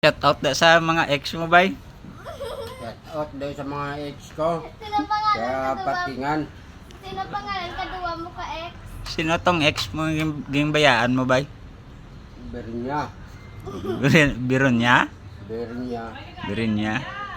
Shout out na sa mga ex mo, bay. Shout out daw sa mga ex ko. Sino pangalan Sa ka duwa? patingan. Sino pangalan ka duwa mo ka ex? Sino tong ex mo yung bayaan mo, bay? Bernya. Biron niya? Bernya. Birin niya?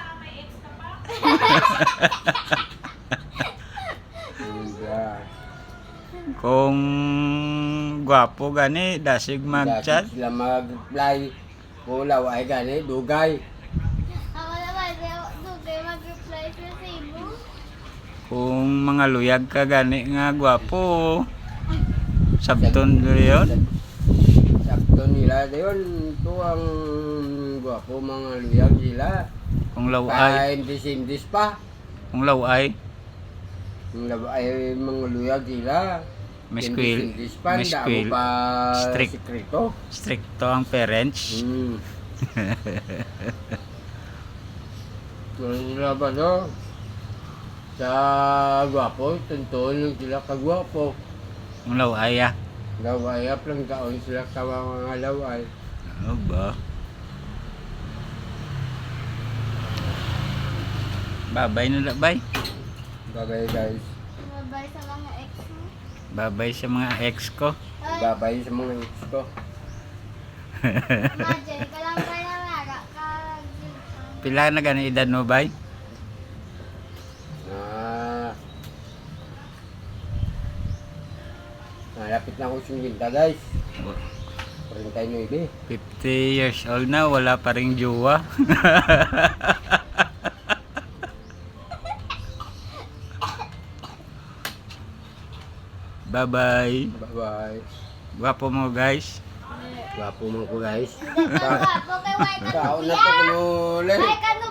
Hindi. Kung gwapo gani, dasig mag-chat. Sila mag-reply. Kulaw ay gani, dugay. Ako naman, dugay mag-reply sa Cebu. Kung mga luyag ka gani nga gwapo. Sabton yun. Sakto nila yun. Ito ang gwapo mga luyag sila. Kung laway. Indis-indis pa. Kung laway. Ang ay mga luyag sila. May squil. Indis pa. May Damo squil. pa Strict. sikrito. Stricto ang parents. Kung sila ba no? Sa gwapo, tuntuan lang sila kagwapo. Kung laway ah. Laway, aplang taon sila sa mga laway. Ano ba? Babay na bay. Babay guys. Mabay sa mga ex mo. Babay sa mga ex ko. Ay, Babay sa mga ex ko. imagine, kalang pa na nga. Pila na gani edad mo bay? Malapit na ako sumilda guys. 49. 50 years old na, wala pa ring jowa. Bye-bye. Bye-bye. Gwapo mo guys. Gwapo mo ko guys. Ako kay White Kaon na Kuya. to kulo. Ay, kanu